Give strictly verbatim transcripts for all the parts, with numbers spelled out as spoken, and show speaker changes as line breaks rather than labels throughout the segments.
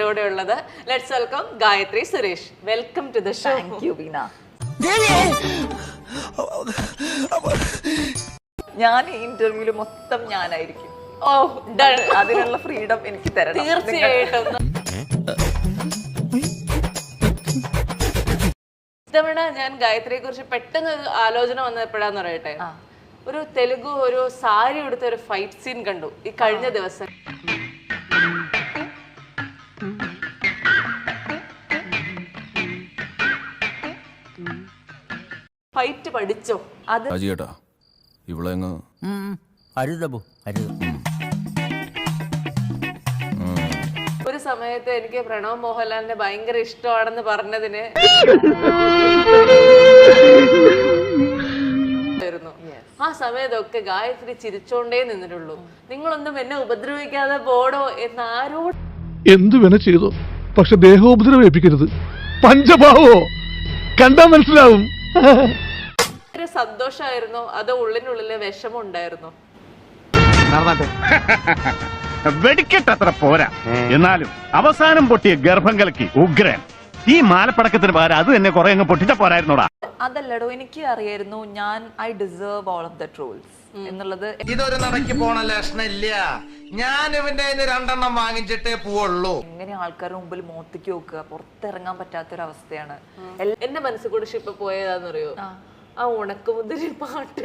കൂടെ ഉള്ളത്. Let's welcome Gayathri Suresh. Welcome to the show.
Thank you Veena. ഞാൻ ഈ ഇന്റർവ്യൂല് മൊത്തം ഞാനായിരിക്കും.
ഓ ഡൺ.
അതിനുള്ള ഫ്രീഡം എനിക്ക് തരണം
തീർച്ചയായിട്ടും. ഇത്തവണ ഞാൻ ഗായത്രിയെ കുറിച്ച് പെട്ടെന്ന് ഒരു ആലോചന വന്നപ്പോഴാന്ന് പറയട്ടെ, ഒരു തെലുഗു ഒരു സാരി എടുത്ത ഒരു ഫൈറ്റ് സീൻ കണ്ടു ഈ കഴിഞ്ഞ ദിവസം. ഫൈറ്റ് പഠിച്ചോ? അത്
ഇവിടെ
ഒരു സമയത്ത് എനിക്ക് പ്രണവ് മോഹൻലാലിനെ ഭയങ്കര ഇഷ്ടമാണെന്ന് പറഞ്ഞതിന് ആ സമയത്തൊക്കെ ഗായത്രി ചിരിച്ചോണ്ടേ നിന്നിട്ടുള്ളൂ. നിങ്ങളൊന്നും എന്നെ ഉപദ്രവിക്കാതെ പോടോ എന്ന് ആരോട്
എന്തു വേണ ചെയ്തോ, പക്ഷെ ദേഹോപദ്രവേൽപ്പിക്കരുത്. പഞ്ചഭാവോ കണ്ടാ മനസ്സിലാവും.
സന്തോഷമായിരുന്നോ അതോ ഉള്ളിനുള്ളിലെ വിഷമം ഉണ്ടായിരുന്നോ?
വെടിക്കെട്ടത്ര പോരാ, എന്നാലും അവസാനം പൊട്ടിയ ഗർഭം കലക്കി ഉഗ്രൻ. ഈ മാലപ്പടക്കത്തിന് പകരം അത് തന്നെ കുറെ അങ്ങ് പൊട്ടിച്ച പോരായിരുന്നോടാ.
അതല്ലടോ, എനിക്ക് അറിയായിരുന്നു ഞാൻ I deserve all of the trolls എന്നുള്ളത്.
ഇതൊരു നടക്കി പോണ ലക്ഷണില്ല. ഞാൻ ഇവന്റെ രണ്ടെണ്ണം വാങ്ങിച്ചിട്ടേ പോവുള്ളൂ.
എങ്ങനെ ആൾക്കാരുടെ മുമ്പിൽ മോത്തിക്ക് നോക്കുക, പുറത്തിറങ്ങാൻ പറ്റാത്തൊരവസ്ഥയാണ്.
എന്റെ മനസ്സിൽ കൂടെ ഇപ്പൊ പോയതാന്നറിയോ, ആ ഉണക്കമുന്തിരി പാട്ട്.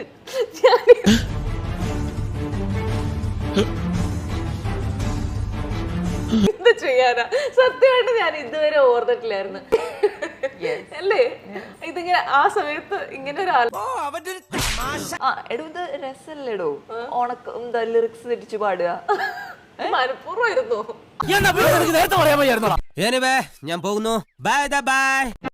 എന്ത് ചെയ്യാനാ, സത്യമായിട്ട് ഞാൻ ഇതുവരെ ഓർത്തിട്ടില്ലായിരുന്നു. അല്ലേ ഇതിങ്ങനെ ആ സമയത്ത് ഇങ്ങനെ ഒരു
ആ എടോ, ഇത് രസല്ലേടോ ഉണക്ക എന്താ ലിറിക്സ് തെറ്റിച്ചു പാടുക.
മനഃപൂർവ്വമായിരുന്നു.
ഞാൻ പോകുന്നു. Bye by.